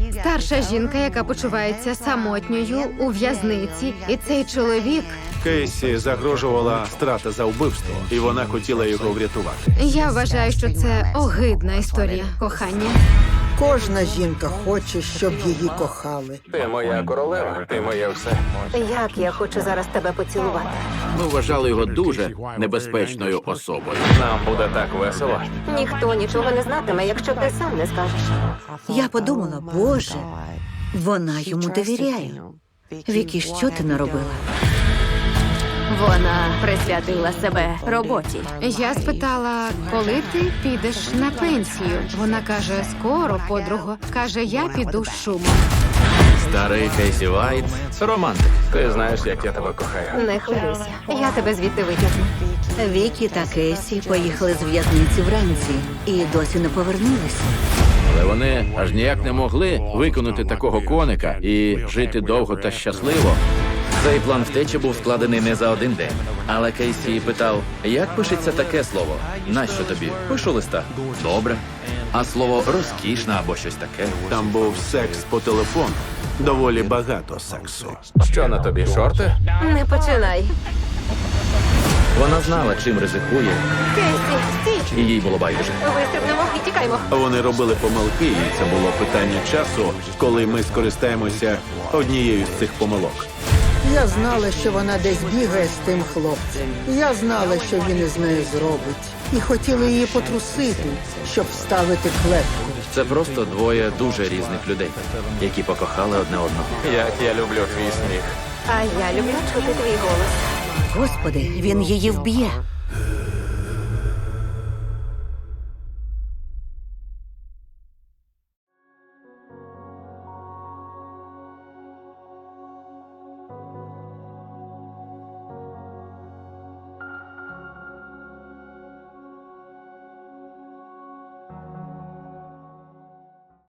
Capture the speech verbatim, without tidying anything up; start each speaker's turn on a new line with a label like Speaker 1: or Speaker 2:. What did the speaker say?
Speaker 1: Старша жінка, яка почувається самотньою у в'язниці, і цей чоловік.
Speaker 2: Кейсі загрожувала страта за вбивство, і вона хотіла його врятувати.
Speaker 1: Я вважаю, що це огидна історія кохання.
Speaker 3: Кожна жінка хоче, щоб її кохали.
Speaker 4: Ти моя королева, ти моє все.
Speaker 5: Як я хочу зараз тебе поцілувати.
Speaker 6: Ми вважали його дуже небезпечною особою.
Speaker 4: Нам буде так весело.
Speaker 5: Ніхто нічого не знатиме, якщо ти сам не скажеш.
Speaker 7: Я подумала, Боже, вона йому довіряє. Вікі, що ти наробила?
Speaker 8: Вона присвятила себе роботі.
Speaker 1: Я спитала, коли ти підеш на пенсію? Вона каже, скоро, подруго. Каже, я піду з шумом.
Speaker 6: Старий Кейсі Вайт – романтик.
Speaker 4: Ти знаєш, як я тебе кохаю.
Speaker 5: Не хвилюйся, я тебе звідти витягну.
Speaker 7: Вікі та Кейсі поїхали з в'язниці вранці і досі не повернулися.
Speaker 6: Але вони аж ніяк не могли виконати такого коника і жити довго та щасливо.
Speaker 9: Цей план втечі був складений не за один день. Але Кейсі питав, як пишеться таке слово? Нащо тобі? Пишу листа. Добре. А слово розкішна або щось таке?
Speaker 2: Там був секс по телефону. Доволі багато сексу.
Speaker 4: Що на тобі, шорти?
Speaker 5: Не починай.
Speaker 9: Вона знала, чим ризикує,
Speaker 5: Кейсі, стій!
Speaker 9: і їй було байдуже.
Speaker 5: Вистрибнемо і тікаймо.
Speaker 2: Вони робили помилки, і це було питання часу, коли ми скористаємося однією з цих помилок.
Speaker 3: Я знала, що вона десь бігає з тим хлопцем. Я знала, що він із нею зробить. І хотіла її потрусити, щоб вставити клепку.
Speaker 9: Це просто двоє дуже різних людей, які покохали одне одного.
Speaker 4: Як я люблю твій сміх.
Speaker 5: А я люблю чути твій голос.
Speaker 7: Господи, він її вб'є.